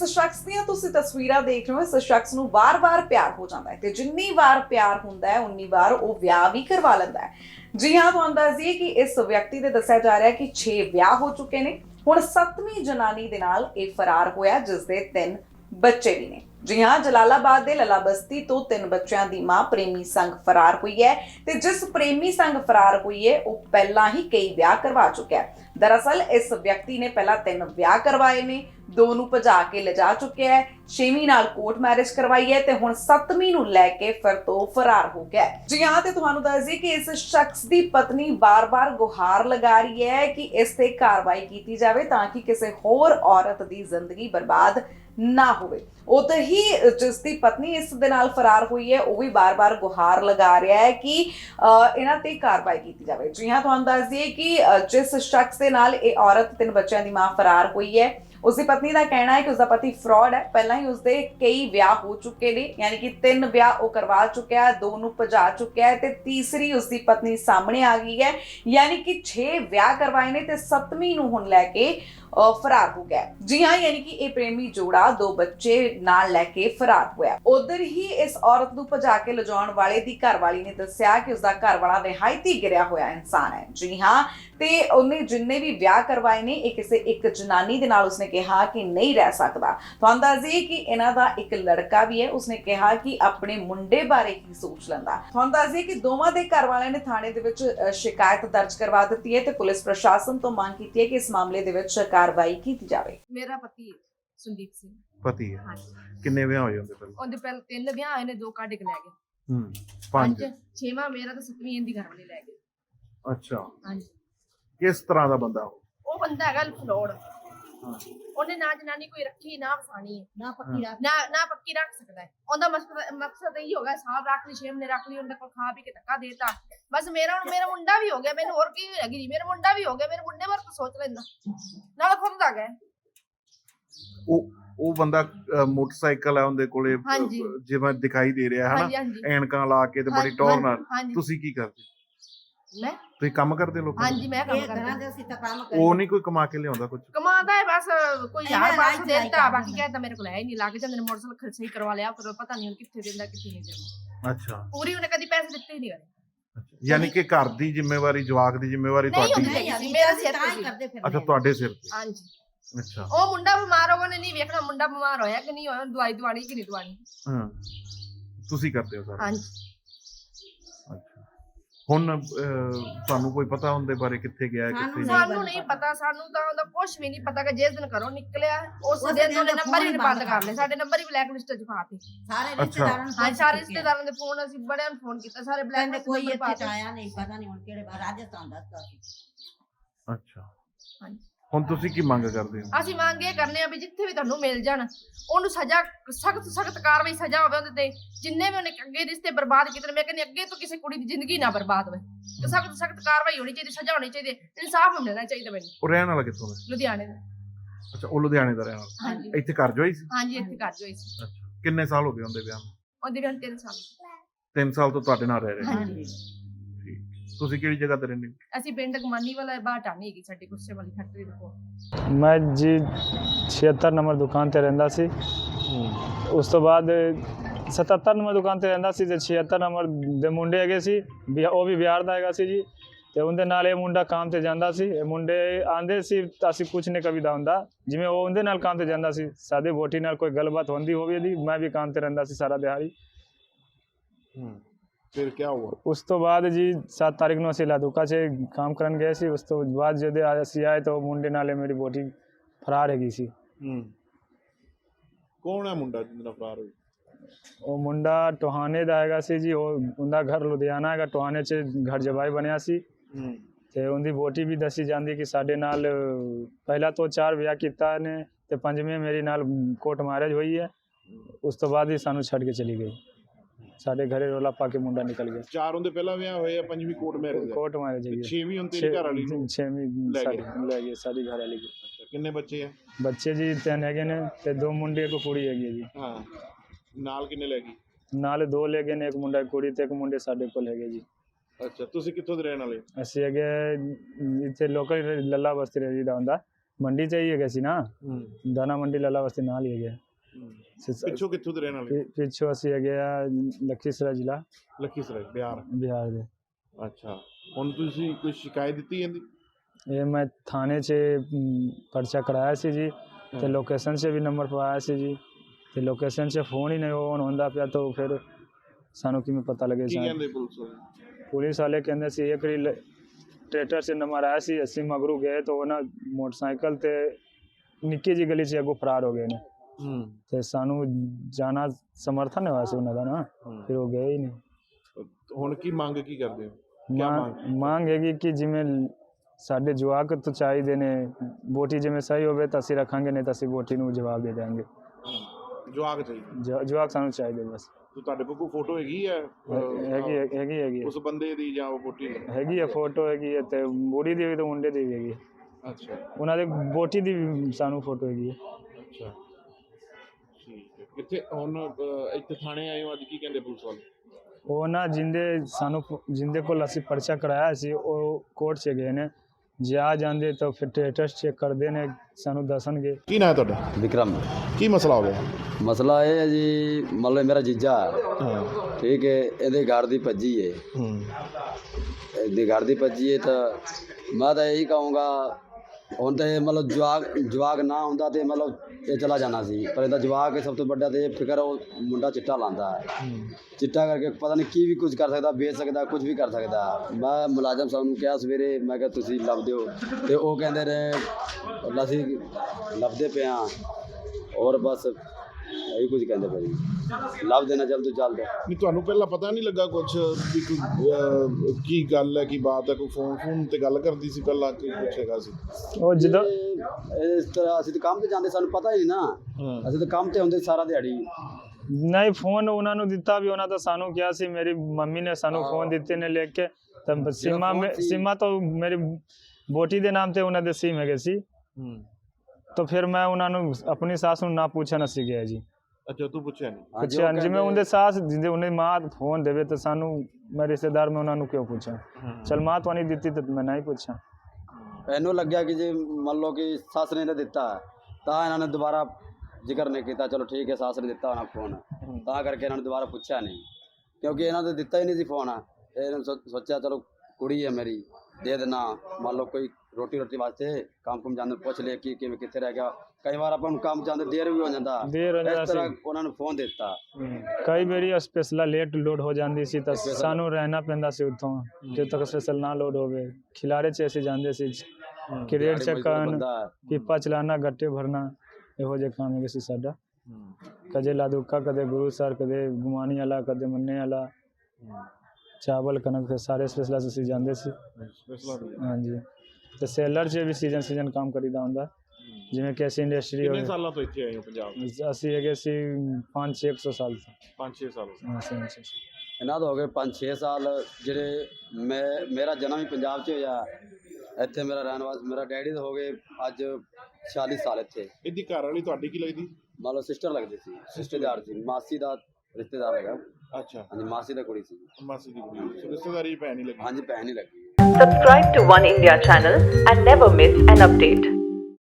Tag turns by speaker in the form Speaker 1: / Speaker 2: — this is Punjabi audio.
Speaker 1: जिस शख्स ਦੀਆਂ ਤੁਸੀਂ ਤਸਵੀਰਾਂ ਦੇਖ ਰਹੇ ਹੋ ਇਸ ਸ਼ਖਸ ਨੂੰ ਵਾਰ-ਵਾਰ ਪਿਆਰ ਹੋ ਜਾਂਦਾ ਹੈ ਤੇ ਜਿੰਨੀ ਵਾਰ ਪਿਆਰ ਹੁੰਦਾ ਹੈ ਉਨੀ ਵਾਰ ਉਹ ਵਿਆਹ ਵੀ ਕਰਵਾ ਲੈਂਦਾ ਹੈ। ਜੀ ਹਾਂ, ਤੁਹਾਨੂੰ ਦੱਸ ਦਈਏ ਕਿ ਇਸ ਵਿਅਕਤੀ ਦੇ ਦੱਸਿਆ ਜਾ ਰਿਹਾ ਹੈ ਕਿ 6 ਵਿਆਹ ਹੋ ਚੁੱਕੇ ਨੇ। ਹੁਣ 7ਵੀਂ ਜਨਾਨੀ ਦੇ ਨਾਲ ਇਹ ਫਰਾਰ ਹੋਇਆ ਜਿਸ ਦੇ 3 ਬੱਚੇ ਵੀ ਨੇ। ਜੀ ਹਾਂ, ਜਲਾਲਾਬਾਦ ਦੇ ਲਲਾ ਬਸਤੀ ਤੋਂ 3 ਬੱਚਿਆਂ ਦੀ ਮਾਂ ਪ੍ਰੇਮੀ ਸੰਗ ਫਰਾਰ ਹੋਈ ਹੈ ਤੇ ਜਿਸ ਪ੍ਰੇਮੀ ਸੰਗ ਫਰਾਰ ਹੋਈ ਹੈ ਉਹ ਪਹਿਲਾਂ ਹੀ ਕਈ ਵਿਆਹ ਕਰਵਾ ਚੁੱਕਿਆ ਹੈ। दरअसल इस व्यक्ति ने पहला 3 ਵਿਆਹ ਕਰਵਾਏ ਨੇ, 2 ਨੂੰ ਭਜਾ ਕੇ ਲਿਜਾ ਚੁੱਕਿਆ ਹੈ, 6ਵੀਂ ਨਾਲ ਕੋਰਟ ਮੈਰਿਜ ਕਰਵਾਈ ਹੈ ਤੇ ਹੁਣ 7ਵੀਂ ਨੂੰ ਲੈ ਕੇ ਫਿਰ ਤੋਂ ਫਰਾਰ ਹੋ ਗਿਆ ਹੈ। ਜੀ ਹਾਂ, ਤੇ ਤੁਹਾਨੂੰ ਦੱਸ ਦਈਏ ਕਿ ਇਸ ਸ਼ਖਸ ਦੀ ਪਤਨੀ ਬਾਰ-ਬਾਰ ਗੁਹਾਰ ਲਗਾ ਰਹੀ ਹੈ ਕਿ ਇਸ ਤੇ ਕਾਰਵਾਈ ਕੀਤੀ ਜਾਵੇ ਤਾਂ ਕਿ ਕਿਸੇ ਹੋਰ ਔਰਤ ਦੀ ਜ਼ਿੰਦਗੀ ਬਰਬਾਦ ਨਾ ਹੋਵੇ। ਉਤੇ ਹੀ ਜਿਸ ਦੀ ਪਤਨੀ ਇਸ ਦੇ ਨਾਲ ਫਰਾਰ ਹੋਈ ਹੈ ਉਹ ਵੀ ਬਾਰ-ਬਾਰ ਗੁਹਾਰ ਲਗਾ ਰਿਹਾ ਹੈ ਕਿ ਇਹਨਾਂ ਤੇ ਕਾਰਵਾਈ ਕੀਤੀ ਜਾਵੇ। ਜੀ ਹਾਂ, ਤੁਹਾਨੂੰ ਦੱਸ ਦਈਏ ਕਿ ਜਿਸ ਸ਼ਖਸ ਦੇ ਨਾਲ ਇਹ ਔਰਤ 3 ਬੱਚਿਆਂ ਦੀ ਮਾਂ ਫਰਾਰ ਹੋਈ ਹੈ उसकी पत्नी का कहना है कि उसका पति फ्रॉड है। पहला ही उसके कई ब्याह हो चुके ने, यानी कि 3 ब्याह वो करवा चुका है, 2 नूं भजा चुका है ते तीसरी उसकी पत्नी सामने आ गई है, यानी कि 6 ब्याह करवाए ने ते 7वीं नूं हुण लैके फरार हो गया। जी हाँ, यानी कि ये प्रेमी जोड़ा 2 बच्चे नाल लैके फरार होया। उधर ही इस औरत नूं भजा के लिजाउण वाले दी घरवाली ने दस्सिया कि उसका घरवाला निहायती गिरिया होया इंसान है। जी हाँ, ते उन्हें जिन्ने भी ब्याह करवाए ने एक किसी एक जनानी दे नाल उसने कहा कि नहीं रह सकता। तुहानूं दस दईए कि इन्हां दा एक लड़का भी है, उसने कहा कि अपने मुंडे बारे ही सोच लैंदा। तुहानूं दस दईए कि दोवां दे घर वालियां ने थाणे दे विच शिकायत दर्ज करवा दित्ती है ते पुलिस प्रशासन तो मांग कीती है कि इस मामले दे विच कार्रवाई कीती जावे।
Speaker 2: मेरा पति है संदीप सिंह।
Speaker 3: पति है।
Speaker 2: हाँ,
Speaker 3: किन्ने ब्याह होए उनदे पहले?
Speaker 2: ਉਹਦੇ ਪਹਿਲੇ 3 ਵਿਆਹ ਆਏ ਨੇ, 2 ਕੱਢ ਕੇ ਲੈ ਗਏ।
Speaker 3: 5
Speaker 2: 6ਵਾਂ ਮੇਰਾ ਤੇ 7ਵੀਂ ਇਹਦੀ ਘਰ ਵਾਲੇ ਲੈ ਗਏ।
Speaker 3: अच्छा,
Speaker 2: ਹਾਂਜੀ,
Speaker 3: किस तरह ਦਾ ਬੰਦਾ
Speaker 2: ਉਹ ਬੰਦਾ ਹੈਗਾ ਫਲੋੜ।
Speaker 3: ਹਾਂ,
Speaker 2: ਉਹਨੇ ਨਾ ਜਨਾਨੀ ਕੋਈ ਰੱਖੀ ਨਾ ਵਸਾਣੀ ਹੈ,
Speaker 4: ਨਾ ਪੱਕੀ ਰੱਖ
Speaker 2: ਨਾ ਪੱਕੀ ਰੱਖ ਸਕਦਾ ਹੈ। ਉਹਦਾ ਮਕਸਦ ਇਹ ਹੋਗਾ ਸਾਹਬ ਰੱਖ ਲਈ, ਸ਼ੇਮ ਨੇ ਰੱਖ ਲਈ, ਉਹਦੇ ਕੋਲ ਖਾ ਪੀ ਕੇ ਧੱਕਾ ਦੇਤਾ ਬਸ। ਮੇਰਾ ਮੁੰਡਾ ਵੀ ਹੋ ਗਿਆ, ਮੈਨੂੰ ਹੋਰ ਕੀ ਹੈਗੀ ਜੀ, ਮੇਰਾ ਮੁੰਡਾ ਵੀ ਹੋ ਗਿਆ, ਮੇਰੇ ਮੁੰਡੇ ਬਾਰੇ ਸੋਚ ਲੈਂਦਾ ਨਾਲ ਖੁਦ ਦਾ ਗਿਆ।
Speaker 3: ਉਹ ਬੰਦਾ ਮੋਟਰਸਾਈਕਲ ਹੈ ਉਹਦੇ ਕੋਲੇ,
Speaker 2: ਹਾਂਜੀ।
Speaker 3: ਜਿਵੇਂ ਦਿਖਾਈ ਦੇ ਰਿਹਾ ਹੈ
Speaker 2: ਹਾਂਜੀ,
Speaker 3: ਨਾ,
Speaker 2: ਹਾਂਜੀ।
Speaker 3: ਐਨਕਾਂ ਲਾ ਕੇ ਤੇ ਬੜੀ ਟੌਰ ਨਾਲ।
Speaker 2: ਹਾਂਜੀ।
Speaker 3: ਤੁਸੀਂ ਕੀ ਕਰਦੇ?
Speaker 2: ਮੈਂ
Speaker 3: ਤੁਸੀਂ ਕੰਮ ਕਰਦੇ ਲੋਕਾਂ
Speaker 2: ਹਾਂਜੀ, ਮੈਂ ਕੰਮ
Speaker 4: ਇਹ ਘਰਾਂ
Speaker 2: ਕਰਦਾ।
Speaker 4: ਦੇ ਅਸੀਂ ਤਾਂ ਕੰਮ
Speaker 3: ਉਹ
Speaker 4: ਕਰੀ
Speaker 3: ਨਹੀਂ ਕੋਈ ਕਮਾ ਕੇ ਲਿਆਉਂਦਾ ਕੁਝ?
Speaker 2: ਕਮਾਉਂਦਾ ਹੈ ਬਸ, ਕੋਈ
Speaker 4: ਇਹਨਾਂ
Speaker 2: ਯਾਰ
Speaker 4: ਰਾਜ
Speaker 2: ਬਾਸ
Speaker 4: ਚਲਾਈ
Speaker 2: ਦੇਤਾ,
Speaker 4: ਕਰਦਾ
Speaker 2: ਬਾਕੀ ਕਹਿੰਦਾ ਮੇਰੇ ਕੋਲ ਹੈ ਹੀ ਨਹੀਂ। ਲੱਗ ਜਾਂਦੇ ਨੇ ਮੋਟਰਸਾਈਕਲ ਸਹੀ ਕਰਵਾ ਲਿਆ, ਪਰ ਪਤਾ ਨਹੀਂ ਹੁਣ ਕਿੱਥੇ ਦਿੰਦਾ ਕਿੱਥੇ ਨਹੀਂ ਦਿੰਦਾ।
Speaker 3: ਅੱਛਾ,
Speaker 2: ਪੂਰੀ ਉਹਨੇ ਕਦੀ ਪੈਸੇ ਦਿੱਤੇ ਹੀ ਨਹੀਂ ਕਰੇ।
Speaker 3: ਯਾਨੀ ਕਿ ਘਰ ਦੀ ਜ਼ਿੰਮੇਵਾਰੀ, ਜਵਾਕ ਦੀ ਜ਼ਿੰਮੇਵਾਰੀ
Speaker 2: ਨਹੀਂ
Speaker 3: ਤੁਹਾਡੀ?
Speaker 2: ਹੁੰਦੀ।
Speaker 4: ਨਹੀਂ ਅਸੀਂ
Speaker 2: ਮੇਰਾ
Speaker 4: ਤਾਂ
Speaker 2: ਸਿਰ
Speaker 4: ਹੀ
Speaker 2: ਤੇ
Speaker 4: ਕਰਦੇ ਫਿਰ
Speaker 3: ਅੱਛਾ, ਤੁਹਾਡੇ ਸਿਰ ਤੇ।
Speaker 2: ਹਾਂਜੀ,
Speaker 3: ਅੱਛਾ,
Speaker 2: ਉਹ ਮੁੰਡਾ ਬਿਮਾਰ ਹੋਗਾ ਨੇ ਨਹੀਂ ਵੇਖਣਾ ਮੁੰਡਾ ਬਿਮਾਰ ਹੋਇਆ ਕਿ ਨਹੀਂ ਹੋਇਆ, ਦਵਾਈ ਦਵਾਣੀ ਕਿ ਨਹੀਂ ਦਵਾਣੀ।
Speaker 3: ਹਾਂ, ਤੁਸੀਂ ਕਰਦੇ ਹੋ ਸਾਰਾ?
Speaker 2: ਹਾਂਜੀ।
Speaker 3: ਅੱਛਾ, ਹੁਣ ਤੁਹਾਨੂੰ ਕੋਈ ਪਤਾ ਉਹਦੇ ਬਾਰੇ, ਕਿੱਥੇ ਗਿਆ ਹੈ, ਕਿੱਥੇ ਨਹੀਂ?
Speaker 2: ਸਾਨੂੰ ਨਹੀਂ ਪਤਾ, ਸਾਨੂੰ ਤਾਂ ਉਹਦਾ ਕੁਝ ਵੀ ਨਹੀਂ ਪਤਾ ਕਿ ਜਿਸ ਦਿਨ ਘਰੋਂ ਨਿਕਲਿਆ ਉਸ ਦਿਨ ਉਹਨੇ ਨੰਬਰ ਹੀ ਬੰਦ ਕਰ ਲਏ। ਸਾਡੇ ਨੰਬਰ ਹੀ ਬਲੈਕ ਲਿਸਟ 'ਚ ਪਾਤੇ
Speaker 4: ਸਾਰੇ ਰਿਸ਼ਤੇਦਾਰਾਂ ਨੂੰ
Speaker 2: ਹਾਂ, ਸਾਰੇ ਰਿਸ਼ਤੇਦਾਰਾਂ ਦੇ ਫੋਨ ਅਸੀਂ ਬੜਿਆਂ ਨੂੰ ਫੋਨ ਕੀਤਾ, ਸਾਰੇ ਬਲੈਕ
Speaker 4: ਕਹਿੰਦੇ
Speaker 2: ਲਿਸਟ
Speaker 4: ਕੋਈ
Speaker 2: ਨੰਬਰ
Speaker 4: ਇੱਥੇ
Speaker 2: ਪਾਤੇ।
Speaker 4: ਆਇਆ ਨਹੀਂ, ਪਤਾ ਨਹੀਂ ਹੁਣ ਕਿਹੜੇ ਬਾਹਰ ਰਾਜਸਥਾਨ ਦੱਸਦਾ ਸੀ।
Speaker 3: ਅੱਛਾ,
Speaker 2: ਹਾਂਜੀ,
Speaker 3: ਹੁਣ ਤੁਸੀਂ ਕੀ ਮੰਗ ਕਰਦੇ ਹੋ?
Speaker 2: ਅਸੀਂ ਮੰਗ ਇਹ ਕਰਨੇ ਆ ਵੀ ਜਿੱਥੇ ਵੀ ਤੁਹਾਨੂੰ ਮਿਲ ਜਾਣ ਉਹਨੂੰ ਸਜ਼ਾ, ਸਖਤ ਕਾਰਵਾਈ ਸਜ਼ਾ ਹੋਵੇ ਉਹਦੇ ਤੇ। ਜਿੰਨੇ ਵੀ ਉਹਨੇ ਅੱਗੇ ਰਿਸ਼ਤੇ ਬਰਬਾਦ ਕੀਤੇ ਨੇ, ਮੈਂ ਕਹਿੰਦੀ ਅੱਗੇ ਤੋਂ ਕਿਸੇ ਕੁੜੀ ਦੀ ਜ਼ਿੰਦਗੀ ਨਾ ਬਰਬਾਦ ਹੋਵੇ ਤੇ ਸਖਤ ਕਾਰਵਾਈ ਹੋਣੀ ਚਾਹੀਦੀ, ਸਜ਼ਾ ਹੋਣੀ ਚਾਹੀਦੀ, ਇਨਸਾਫ ਮਿਲਣਾ ਚਾਹੀਦਾ ਮੈਨੂੰ।
Speaker 3: ਉਹ ਰਹਿਣ ਵਾਲਾ ਕਿੱਥੋਂ ਦਾ?
Speaker 2: ਲੁਧਿਆਣੇ ਦਾ।
Speaker 3: ਅੱਛਾ, ਉਹ ਲੁਧਿਆਣੇ ਦਾ ਰਹਿਣ ਵਾਲਾ।
Speaker 2: ਹਾਂਜੀ,
Speaker 3: ਇੱਥੇ ਘਰ ਜੋਈ ਸੀ?
Speaker 2: ਹਾਂਜੀ, ਇੱਥੇ ਘਰ ਜੋਈ ਸੀ।
Speaker 3: ਅੱਛਾ, ਕਿੰਨੇ ਸਾਲ ਹੋ ਗਏ ਉਹਦੇ ਵਿਆਹ ਨੂੰ?
Speaker 2: ਉਹਦੇ ਵੀ 3 ਸਾਲ।
Speaker 3: 3 ਸਾਲ ਤੋਂ ਤੁਹਾਡੇ ਨਾਲ ਰਹਿ ਰਹੇ ਨੇ?
Speaker 2: ਹਾਂਜੀ।
Speaker 3: ਠੀਕ। ਤੁਸੀਂ ਕਿਹੜੀ ਜਗ੍ਹਾ ਤੇ ਰਹਿੰਦੇ ਹੋ?
Speaker 2: ਅਸੀਂ ਪਿੰਡ ਗਮਾਨੀ ਵਾਲਾ ਬਾਟਾਨੀ ਹੈਗੀ ਸਾਡੀ ਗੁੱਸੇ ਵਾਲੀ ਫੈਕਟਰੀ ਦੇ ਕੋਲ।
Speaker 5: मैं जी 76 ਨੰਬਰ ਦੁਕਾਨ ਤੇ ਰਹਿੰਦਾ ਸੀ। ਉਸ ਤੋਂ ਬਾਅਦ 77 ਨੰਬਰ ਦੁਕਾਨ ਤੇ ਰਹਿੰਦਾ ਸੀ ਤੇ 76 ਨੰਬਰ ਦੇ ਮੁੰਡੇ ਹੈਗੇ ਸੀ, ਉਹ ਵੀ ਬਿਹਾਰ ਦਾ ਹੈਗਾ ਸੀ ਜੀ। ਤੇ ਉਹਦੇ ਨਾਲ ਇਹ ਮੁੰਡਾ ਕੰਮ ਤੇ ਜਾਂਦਾ ਸੀ। ਇਹ ਮੁੰਡੇ ਆਂਦੇ ਸੀ ਤਾਂ ਅਸੀਂ ਕੁਝ ਨਹੀਂ ਕਵੀਦਾ ਹੁੰਦਾ, ਜਿਵੇਂ ਉਹ ਉਹਦੇ ਨਾਲ ਕੰਮ ਤੇ ਜਾਂਦਾ ਸੀ। ਸਾਡੀ ਵੋਟੀ ਨਾਲ ਕੋਈ ਗੱਲਬਾਤ ਹੁੰਦੀ ਹੋਵੇ ਦੀ, ਮੈਂ ਵੀ ਕੰਮ ਤੇ ਰਹਿੰਦਾ ਸੀ ਸਾਰਾ ਦਿਹਾੜੀ।
Speaker 3: ਫਿਰ ਕੀ ਹੁਆ?
Speaker 5: ਉਸ ਤੋਂ ਬਾਅਦ ਜੀ 7 ਤਾਰੀਖ ਨੂੰ ਅਸੀਂ ਲਾਦੂਕਾ 'ਚ ਕੰਮ ਕਰਨ ਗਏ ਸੀ। ਉਸ ਤੋਂ ਬਾਅਦ ਜਦੋਂ ਅਸੀਂ ਆਏ ਤਾਂ ਉਹ ਮੁੰਡੇ ਨਾਲ ਮੇਰੀ ਵੋਟੀ ਫਰਾਰ ਹੈਗੀ ਸੀ।
Speaker 3: ਕੌਣ ਹੈ ਮੁੰਡਾ ਜਿਹਦੇ ਨਾਲ ਫਰਾਰ ਹੋਈ?
Speaker 5: ਉਹ ਮੁੰਡਾ ਟੋਹਾਣੇ ਦਾ ਹੈਗਾ ਸੀ ਜੀ। ਉਹਦਾ ਘਰ ਲੁਧਿਆਣਾ ਹੈਗਾ, ਟੋਹਾਣੇ 'ਚ ਘਰ ਜਵਾਈ ਬਣਿਆ ਸੀ। ਤੇ ਉਹਦੀ ਵੋਟੀ ਵੀ ਦੱਸੀ ਜਾਂਦੀ ਕਿ ਸਾਡੇ ਨਾਲ ਪਹਿਲਾਂ ਤੋਂ 4 ਵਿਆਹ ਕੀਤਾ ਨੇ ਤੇ 5ਵੇਂ ਮੇਰੀ ਨਾਲ ਕੋਰਟ ਮੈਰਿਜ ਹੋਈ ਹੈ। ਉਸ ਤੋਂ ਬਾਅਦ ਹੀ ਸਾਨੂੰ ਛੱਡ ਕੇ ਚਲੀ ਗਈ। ਸਾਡੇ ਘਰੇ ਰੋਲਾ ਪਾ ਕੇ ਮੁੰਡਾ ਨਿਕਲ ਗਿਆ।
Speaker 3: 4 ਉਹਦੇ ਪਹਿਲਾਂ ਵਿਆਹ ਹੋਏ ਆ, 5ਵੀਂ ਕੋਰਟ ਮੈਰਿਜ ਹੈ।
Speaker 5: ਕੋਰਟ ਮੈਰਿਜ ਹੈ।
Speaker 3: 6ਵੀਂ ਹੁਣ ਤੇਰੀ ਘਰ ਵਾਲੀ ਨੂੰ
Speaker 5: 6ਵੀਂ ਲੈ ਗਏ ਸਾਡੀ ਘਰ ਵਾਲੀ।
Speaker 3: ਕਿੰਨੇ ਬੱਚੇ ਆ?
Speaker 5: ਬੱਚੇ ਜੀ 3 ਹੈਗੇ ਨੇ ਤੇ 2 ਮੁੰਡੇ ਇੱਕ ਕੁੜੀ ਹੈਗੀ ਹੈ ਜੀ।
Speaker 3: ਹਾਂ, ਨਾਲ ਕਿੰਨੇ ਲੈ ਗਈ?
Speaker 5: ਨਾਲ 2 ਲੈ ਗਏ ਨੇ, ਇੱਕ ਮੁੰਡਾ ਕੁੜੀ ਤੇ ਇੱਕ ਮੁੰਡੇ ਸਾਡੇ ਕੋਲ ਹੈਗੇ ਜੀ।
Speaker 3: ਅੱਛਾ, ਤੁਸੀਂ ਕਿੱਥੋਂ ਦੇ ਰਹਿਣ ਵਾਲੇ?
Speaker 5: ਅਸੀਂ ਹੈਗੇ ਇੱਥੇ ਲੋਕਲ ਲੱਲਾ ਬਸਤੀ ਰਹੀਦਾ ਹੁੰਦਾ, ਮੰਡੀ 'ਚ ਹੀ ਹੈਗੇ ਸੀ ਨਾ, ਦਾਣਾ ਮੰਡੀ ਲਾਲਾ ਬਸਤੀ ਨਾਲ ਹੀ ਹੈਗੇ।
Speaker 3: ਪਿੱਛੋਂ ਕਿੱਥੋਂ ਦੇ ਰਹਿਣ ਵਾਲੇ?
Speaker 5: ਪਿੱਛੋਂ ਅਸੀਂ ਹੈਗੇ ਆ ਲਖੀਸਰਾਏ ਜ਼ਿਲ੍ਹਾ,
Speaker 3: ਲਖੀਸਰਾਏ ਬਿਹਾਰ।
Speaker 5: ਬਿਹਾਰ ਦੇ।
Speaker 3: ਅੱਛਾ, ਹੁਣ ਤੁਸੀਂ ਕੋਈ ਸ਼ਿਕਾਇਤ ਦਿੱਤੀ ਇਹਦੀ?
Speaker 5: ਇਹ ਮੈਂ ਥਾਣੇ 'ਚ ਪਰਚਾ ਕਰਾਇਆ ਸੀ ਜੀ, ਤੇ ਲੋਕੇਸ਼ਨ 'ਚ ਵੀ ਨੰਬਰ ਪਵਾਇਆ ਸੀ ਜੀ, ਤੇ ਲੋਕੇਸ਼ਨ 'ਚ ਫੋਨ ਹੀ ਨਹੀਂ ਔਨ ਹੁੰਦਾ ਪਿਆ, ਤਾਂ ਫਿਰ ਸਾਨੂੰ ਕਿਵੇਂ ਪਤਾ ਲੱਗੇ?
Speaker 3: ਕੀ ਕਹਿੰਦੇ ਪੁਲਿਸ ਵਾਲੇ?
Speaker 5: ਪੁਲਿਸ ਵਾਲੇ ਕਹਿੰਦੇ ਸੀ ਇੱਕ ਟਰੈਕਟਰ 'ਚ ਨੰਬਰ ਆਇਆ ਸੀ, ਅਸੀਂ ਮਗਰੂ ਗਏ ਤਾਂ ਉਹ ਨਾ ਮੋਟਰਸਾਈਕਲ ਤੇ ਨਿੱਕੀ ਜਿਹੀ ਗਲੀ 'ਚ ਅੱਗੋਂ ਫਰਾਰ ਹੋ ਗਏ ਨੇ, ਤੇ ਸਾਨੂੰ ਜਾਣਾ ਸਮਰਥਨ ਨਹੀਂ ਹੋਇਆ ਸੀ ਉਹਨਾਂ ਦਾ ਨਾ, ਫਿਰ ਉਹ ਗਏ ਹੀ ਨਹੀਂ।
Speaker 3: ਹੁਣ ਕੀ ਮੰਗ ਕੀ ਕਰਦੇ ਹੋ?
Speaker 5: ਮੰਗ ਹੈਗੀ ਕਿ ਜਿਵੇਂ ਸਾਡੇ ਜਵਾਕ ਤਾਂ ਚਾਹੀਦੇ ਨੇ, ਵੋਟੀ ਜਿਵੇਂ ਸਹੀ ਹੋਵੇ ਤਾਂ ਅਸੀਂ ਰੱਖਾਂਗੇ, ਨਹੀਂ ਤਾਂ ਅਸੀਂ ਵੋਟੀ ਨੂੰ ਜਵਾਬ ਦੇ ਦਿਆਂਗੇ।
Speaker 3: ਜਵਾਕ ਚਾਹੀਦੇ?
Speaker 5: ਜਵਾਕ ਸਾਨੂੰ ਚਾਹੀਦੇ ਬਸ।
Speaker 3: ਤੁਹਾਡੇ ਕੋਲ ਕੋਈ ਫੋਟੋ ਹੈਗੀ ਹੈ?
Speaker 5: ਹੈਗੀ
Speaker 3: ਉਸ ਬੰਦੇ ਦੀ ਜਾਂ ਉਹ ਵੋਟੀ ਦੀ?
Speaker 5: ਹੈਗੀ ਹੈ, ਫੋਟੋ ਹੈਗੀ ਹੈ, ਤੇ ਬੁੜੀ ਦੀ ਵੀ ਤੇ ਮੁੰਡੇ ਦੀ ਵੀ ਹੈਗੀ।
Speaker 3: ਅੱਛਾ,
Speaker 5: ਉਹਨਾਂ ਦੇ ਵੋਟੀ ਦੀ ਵੀ ਸਾਨੂੰ ਫੋਟੋ ਹੈਗੀ ਹੈ।
Speaker 3: ਅੱਛਾ ਠੀਕ ਹੈ। ਕਿੱਥੇ ਹੁਣ ਇੱਥੇ ਥਾਣੇ ਆਏ ਹੋ ਅੱਜ, ਕੀ ਕਹਿੰਦੇ ਪੁਲਿਸ ਵਾਲੇ?
Speaker 5: ਉਹ ਨਾ ਜਿੰਦੇ ਕੋਲ ਅਸੀਂ ਪਰਚਾ ਕਰਾਇਆ ਸੀ ਉਹ ਕੋਰਟ 'ਚ ਗਏ ਨੇ, ਜੇ ਆ ਜਾਂਦੇ ਤਾਂ ਫਿਰ ਟੈਸਟ ਚੈੱਕ ਕਰਦੇ ਨੇ, ਸਾਨੂੰ ਦੱਸਣਗੇ।
Speaker 3: ਕੀ ਨਾਂ ਹੈ ਤੁਹਾਡਾ?
Speaker 6: ਵਿਕਰਮ।
Speaker 3: ਕੀ ਮਸਲਾ ਹੋ ਗਿਆ?
Speaker 6: ਮਸਲਾ ਇਹ ਹੈ ਜੀ, ਮਤਲਬ ਮੇਰਾ ਜੀਜਾ ਠੀਕ ਹੈ, ਇਹਦੇ ਘਰ ਦੀ ਭੱਜੀ ਹੈ, ਇਹਦੇ ਘਰ ਦੀ ਭੱਜੀ ਹੈ, ਤਾਂ ਮੈਂ ਤਾਂ ਇਹੀ ਕਹੂੰਗਾ ਹੁਣ ਤਾਂ ਮਤਲਬ ਜਵਾਕ ਨਾ ਹੁੰਦਾ ਤੇ ਮਤਲਬ ਇਹ ਚਲਾ ਜਾਣਾ ਸੀ, ਪਰ ਇਹਦਾ ਜਵਾਕ ਸਭ ਤੋਂ ਵੱਡਾ ਤੇ ਇਹ ਫਿਕਰ ਉਹ ਮੁੰਡਾ ਚਿੱਟਾ ਲਾਉਂਦਾ ਹੈ, ਚਿੱਟਾ ਕਰਕੇ ਪਤਾ ਨਹੀਂ ਕੀ ਵੀ ਕੁਝ ਕਰ ਸਕਦਾ, ਵੇਚ ਸਕਦਾ, ਕੁਝ ਵੀ ਕਰ ਸਕਦਾ। ਮੈਂ ਮੁਲਾਜ਼ਮ ਸਾਹਿਬ ਨੂੰ ਕਿਹਾ ਸਵੇਰੇ, ਮੈਂ ਕਿਹਾ ਤੁਸੀਂ ਲੱਭ ਦਿਓ, ਤੇ ਉਹ ਕਹਿੰਦੇ ਰਹੇ ਅਸੀਂ ਲੱਭਦੇ ਪਏ ਹਾਂ, ਔਰ ਬਸ ਇਹੀ ਕੁਝ ਕਹਿੰਦੇ ਪਏ ਜੀ, ਲੱਭ ਦੇਣਾ ਜਲਦ ਤੋਂ ਜਲਦ।
Speaker 3: ਨਹੀਂ ਤੁਹਾਨੂੰ ਪਹਿਲਾਂ ਪਤਾ ਨਹੀਂ ਲੱਗਾ ਕੁਛ ਵੀ ਕੋਈ ਕੀ ਗੱਲ ਹੈ, ਕੀ ਬਾਤ ਹੈ? ਕੋਈ ਫੋਨ ਤੇ ਗੱਲ ਕਰਦੀ ਸੀ ਪਹਿਲਾਂ, ਕੀ ਪੁੱਛੇਗਾ ਸੀ?
Speaker 5: ਉਹ ਜਦੋਂ
Speaker 6: ਇਸ ਤਰ੍ਹਾਂ ਅਸੀਂ ਤਾਂ ਕੰਮ ਤੇ ਜਾਂਦੇ, ਸਾਨੂੰ ਪਤਾ ਹੀ ਨਹੀਂ ਨਾ, ਅਸੀਂ ਤਾਂ ਕੰਮ ਤੇ ਹੁੰਦੇ ਸਾਰਾ ਦਿਹਾੜੀ।
Speaker 5: ਨਹੀਂ ਫੋਨ ਉਹਨਾਂ ਨੂੰ ਦਿੱਤਾ ਵੀ, ਉਹਨਾਂ ਤਾਂ ਸਾਨੂੰ ਕਿਹਾ ਸੀ, ਮੇਰੀ ਮੰਮੀ ਨੇ ਸਾਨੂੰ ਫੋਨ ਦਿੱਤੇ ਨੇ ਲੈ ਕੇ, ਤਾਂ ਸੀਮਾ ਤਾਂ ਮੇਰੀ ਵੋਟੀ ਦੇ ਨਾਮ ਤੇ ਉਹਨਾਂ ਦੇ ਸਿਮ ਹੈਗੇ ਸੀ, ਤਾਂ ਫਿਰ ਮੈਂ ਉਹਨਾਂ ਨੂੰ ਆਪਣੀ ਸੱਸ ਨੂੰ ਨਾ ਪੁੱਛਣ ਅਸੀਂ ਗਏ ਜੀ।
Speaker 3: ਅੱਛਾ, ਤੂੰ ਪੁੱਛਿਆ ਨਹੀਂ?
Speaker 5: ਪੁੱਛਿਆ ਜਿਵੇਂ ਉਹਦੇ ਸੱਸ ਜਿੰਦੇ ਉਹਨੇ ਮਾਂ ਫੋਨ ਦੇਵੇ ਤਾਂ ਸਾਨੂੰ, ਮੈਂ ਰਿਸ਼ਤੇਦਾਰ ਮੈਂ ਉਹਨਾਂ ਨੂੰ ਕਿਉਂ ਪੁੱਛਾਂ? ਚਲ ਮਾਂ ਤਾਂ ਨਹੀਂ ਦਿੱਤੀ ਤਾਂ ਮੈਂ ਨਹੀਂ ਪੁੱਛਾਂ।
Speaker 6: ਇਹਨੂੰ ਲੱਗਿਆ ਕਿ ਜੇ ਮੰਨ ਲਓ ਕਿ ਸੱਸ ਨੇ ਦਿੱਤਾ ਤਾਂ ਇਹਨਾਂ ਨੇ ਦੁਬਾਰਾ ਜ਼ਿਕਰ ਨਹੀਂ ਕੀਤਾ, ਚਲੋ ਠੀਕ ਹੈ ਸੱਸ ਨੇ ਦਿੱਤਾ ਹੋਣਾ ਫੋਨ, ਤਾਂ ਕਰਕੇ ਇਹਨਾਂ ਨੇ ਦੁਬਾਰਾ ਪੁੱਛਿਆ ਨਹੀਂ, ਕਿਉਂਕਿ ਇਹਨਾਂ ਨੇ ਦਿੱਤਾ ਹੀ ਨਹੀਂ ਸੀ ਫੋਨ। ਇਹਨਾਂ ਸੋਚਿਆ ਚਲੋ ਕੁੜੀ ਹੈ ਮੇਰੀ, ਦੇ ਦੇਣਾ, ਮੰਨ ਲਓ ਕੋਈ ਰੋਟੀ ਵਾਸਤੇ ਕੰਮ ਜਾਂਦੇ ਪੁੱਛ ਲਿਆ ਕਿ ਕਿਵੇਂ ਕਿੱਥੇ ਰਹਿ ਗਿਆ, ਕਈ ਵਾਰ ਆਪਾਂ ਨੂੰ ਕੰਮ ਜਾਂਦੇ ਦੇਰ ਵੀ ਹੋ ਜਾਂਦਾ, ਇਸ ਤਰ੍ਹਾਂ ਉਹਨਾਂ ਨੂੰ ਫੋਨ ਦਿੱਤਾ।
Speaker 5: ਕਈ ਵਾਰੀ ਸਪੈਸ਼ਲ ਲੇਟ ਲੋਡ ਹੋ ਜਾਂਦੀ ਸੀ ਤਾਂ ਸਾਨੂੰ ਰਹਿਣਾ ਪੈਂਦਾ ਸੀ ਉੱਥੋਂ, ਜਦੋਂ ਤੱਕ ਸਪੈਸ਼ਲ ਨਾ ਲੋਡ ਹੋਵੇ। ਖਿਲਾਰੇ 'ਚ ਅਸੀਂ ਜਾਂਦੇ ਸੀ, ਕ੍ਰੇਟ ਚੱਕਣ, ਪੀਪਾ ਚਲਾਉਣਾ, ਗੱਟੇ ਭਰਨਾ, ਇਹੋ ਜਿਹੇ ਕੰਮ ਹੈਗੇ ਸੀ ਸਾਡਾ। ਕਦੇ ਲਾਦੂਕਾ, ਕਦੇ ਗੁਰੂਸਰ, ਕਦੇ ਗੁਮਾਨੀ ਵਾਲਾ, ਕਦੇ ਮੰਨੇ ਵਾਲਾ, ਚਾਵਲ ਕਣਕ ਸਾਰੇ ਸਪੈਸ਼ਲ ਅਸੀਂ ਜਾਂਦੇ ਸੀ। ਹਾਂਜੀ, ਤੇ ਸੈਲਰ 'ਚ ਵੀ ਸੀਜ਼ਨ ਕੰਮ ਕਰੀਦਾ ਹੁੰਦਾ, ਜਿਵੇਂ ਕਿ ਅਸੀਂ ਇੰਡਸਟਰੀ।
Speaker 3: ਕਿੰਨੇ ਸਾਲਾਂ ਤੋਂ ਇੱਥੇ ਆਏ ਹੋ ਪੰਜਾਬ?
Speaker 5: ਅਸੀਂ ਹੈਗੇ ਸੀ 500-600 ਸਾਲ ਤੋਂ।
Speaker 3: 5-6 ਸਾਲ
Speaker 6: ਇਹਨਾਂ ਤੋਂ ਹੋ ਗਏ 5-6 ਸਾਲ, ਜਿਹੜੇ ਮੇਰਾ ਜਨਮ ਹੀ ਪੰਜਾਬ 'ਚ ਹੋਇਆ, ਇੱਥੇ ਮੇਰਾ ਰਹਿਣ ਵਾਸਤੇ। ਮੇਰਾ ਡੈਡੀ ਤਾਂ ਹੋ ਗਏ ਅੱਜ 46 ਸਾਲ ਇੱਥੇ।
Speaker 3: ਇਹਦੀ ਘਰ ਵਾਲੀ ਤੁਹਾਡੀ ਕੀ ਲੱਗਦੀ?
Speaker 6: ਮੰਨ ਲਓ ਸਿਸਟਰ ਲੱਗਦੀ ਸੀ, ਰਿਸ਼ਤੇਦਾਰ ਸੀ, ਮਾਸੀ ਦਾ ਰਿਸ਼ਤੇਦਾਰ ਹੈਗਾ।
Speaker 3: ਅੱਛਾ,
Speaker 6: ਹਾਂਜੀ, ਮਾਸੀ ਦਾ ਕੁੜੀ ਸੀ।
Speaker 3: ਮਾਸੀ ਦੀ ਕੁੜੀ, ਰਿਸ਼ਤੇਦਾਰੀ ਭੈਣ ਹੀ ਲੱਗੀ?
Speaker 6: ਹਾਂਜੀ, ਭੈਣ ਹੀ ਲੱਗੀ।
Speaker 7: Subscribe to One India channel and never miss an update.